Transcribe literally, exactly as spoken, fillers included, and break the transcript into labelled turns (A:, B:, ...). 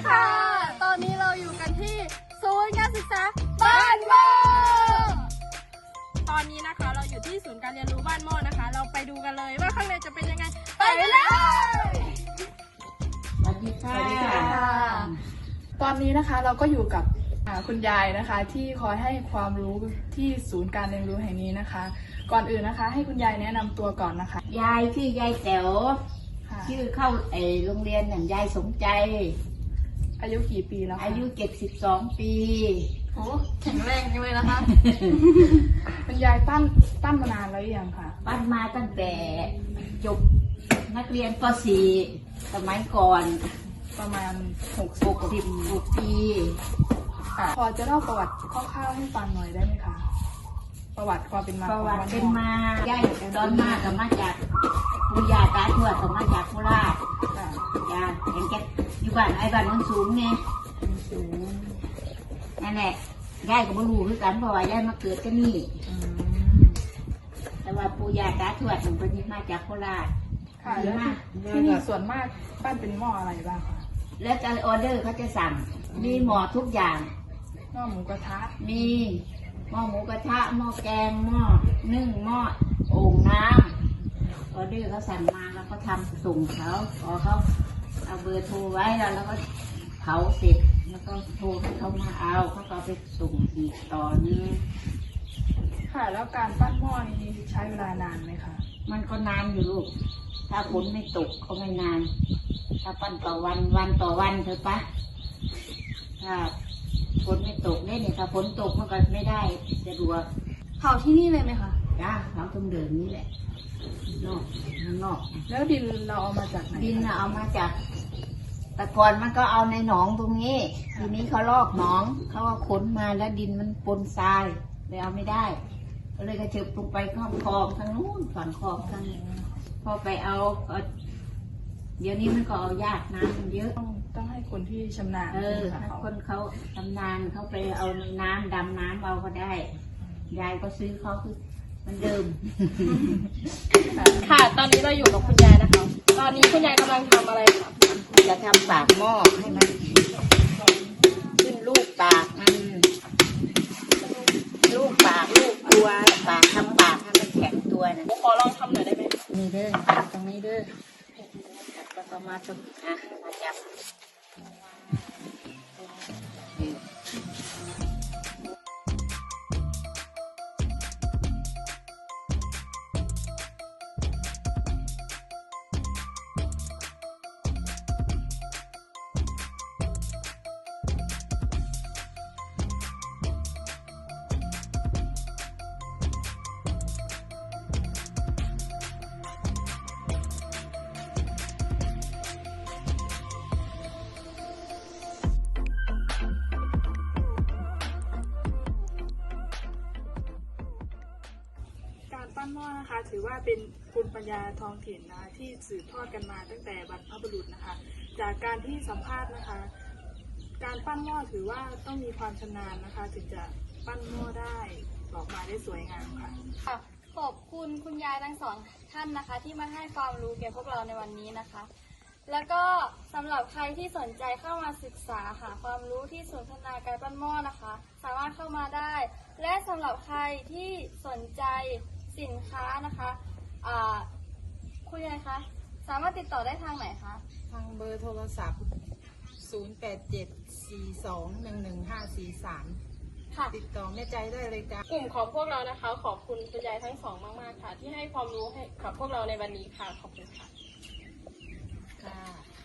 A: ค่ะตอนนี้เราอยู่กันที่ศูนย์การศึกษาบ้านหม้อตอนนี้นะคะเราอยู่ที่ศูนย์การเรียนรู้บ้านหม้อนะคะเราไปดูกันเลยว่าข้างในจะเป็นยังไงไปเลย
B: สวัสดีค่ะ
C: ตอนนี้นะคะเราก็อยู่กับคุณยายนะคะที่คอยให้ความรู้ที่ศูนย์การเรียนรู้แห่งนี้นะคะก่อนอื่นนะคะให้คุณยายแนะนำตัวก่อนนะคะ
B: ยายชื่อยายแต๋วชื่อเข้าไอโรงเรียนอย่างยายสมใจ
C: อายุกี่ปีแล้ว
B: อายุเจ็ดสิบสองปี
A: โอ้แข็งแรงจังเลยนะคะ
C: คุณยายปั้นปั้นมานานแล้วยังคะ
B: ปั้นมาตั้งแต่จบนักเรียนป .สี่ สมัยก่อน
C: ประมาณหก
B: สิบหกปี
C: พอจะเล่าประวัติคร่าวๆให้ฟังหน่อยได้ไหมคะประวัติความเป็นมา
B: ประวัติเป็นมาย่ายตอนมากับมาจากปุยาตาทวดกับมาจากโคราชยาเห็นแกอยู่บ้านไอ้บ้านมันสูงไงสูงนั่นแหละย่ายก็ไม่รู้คือกันเพราะว่าย่ายมาเกิดที่นี่แต่ว่าปุยาตาทวดถึงเป็นมาจากโคราช
C: ค่ะแล้วที่นี่ส่วนมากปั้นเป็นหม้ออะไรบ้างคะ
B: แล้วจะออเดอร์เขาจะสั่งมีหม้อทุกอย่าง
C: หม้อหมูกระทะ
B: มีหม้อหมูกระทะหม้อแกงหม้อนึ่งหม้อโอ่งน้ำออเดอร์เขาสั่งมาแล้วก็ทำส่งเขาพอเขาเอาเบอร์โทรไว้แล้วแล้วก็เผาเสร็จแล้วก็โทรให้เขามาเอาเขาก็ไปส่งอีกต่อนึง
C: ค่ะแล้วการปั้นหม้อนี้ใช้เวลานานไหมคะ
B: มันก็นานอยู่ลูกถ้าฝนไม่ตกก็ไม่นานถ้าปั้นต่อวันวันต่อวันเถอะปะถ้าฝนไม่ตกเนี่ยถ้าฝนตกมันก็ไม่ได้จะดู
A: เผาที่นี่เลยไหมคะ
B: จ้าเผาตรงเดิมนี่แหละนอกนอก
C: แล้วดินเราเอามาจากไหน
B: ดินเราเอามาจากแต่ก่อนมันก็เอาในหนองตรงนี้ทีนี้เขาลอกหนองเขาก็ขนมาแล้วดินมันปนทรายเลยเอาไม่ได้ก็เลยกระเถิบลงไปข้ามคลองทางนู้นฝั่งคลองทางนี้พอไปเอาเดี๋ยวนี้มันก็เอายากน้ำมันเยอะ
C: ต้องต้องให้คนที่ชำนาญ
B: เออถ้าคนเขาชำนาญเขาไปเอาในน้ำดำน้ำเอาก็ได้ยายก็ซื้อเขาคือมันเดิม
A: ค่ะตอนนี้เราอยู่กับคุณยายนะคะตอนนี้คุณยายกำลังทำอะไรคะ
B: จะทำปากหม้อให้มันขึ้นลูกปากมันลูกปากลูกตัวปากทำปากให้มันแข็งตัวนะ
A: ขอลองทำหน่อยได้ไหม
B: นี่เด้อตรงนี้เด้อแล้วก็มาตรงอ่ะมาจับ
C: ปั้นหม้อนะคะถือว่าเป็นภูมิปัญญาท้องถิ่นนะที่สืบทอดกันมาตั้งแต่บรรพบุรุษนะคะจากการที่สัมภาษณ์นะคะการปั้นหม้อถือว่าต้องมีความชำนาญนะคะถึงจะปั้นหม้อได้ออกมาได้สวยงามค่ะ
A: ค่ะขอบคุณคุณยายทั้งสองท่านนะคะที่มาให้ความรู้แก่พวกเราในวันนี้นะคะแล้วก็สำหรับใครที่สนใจเข้ามาศึกษาหาความรู้ที่ศูนย์พัฒนาการปั้นหม้อนะคะสามารถเข้ามาได้และสำหรับใครที่สนใจสินค้านะคะคุณยายคะสามารถติดต่อได้ทางไหนคะ
D: ทางเบอร์โทรศัพท์ศูนย์ แปด เจ็ด สี่ สอง หนึ่ง หนึ่ง ห้า สี่ สามค่ะติดต่อแม่ใจได้เลยจ้ะ
A: กลุ่มของพวกเรานะคะขอบคุณคุณยายทั้งสองมากๆค่ะที่ให้ความรู้ให้กับพวกเราในวันนี้ค่ะขอบคุณค่ะ
D: ค่ะ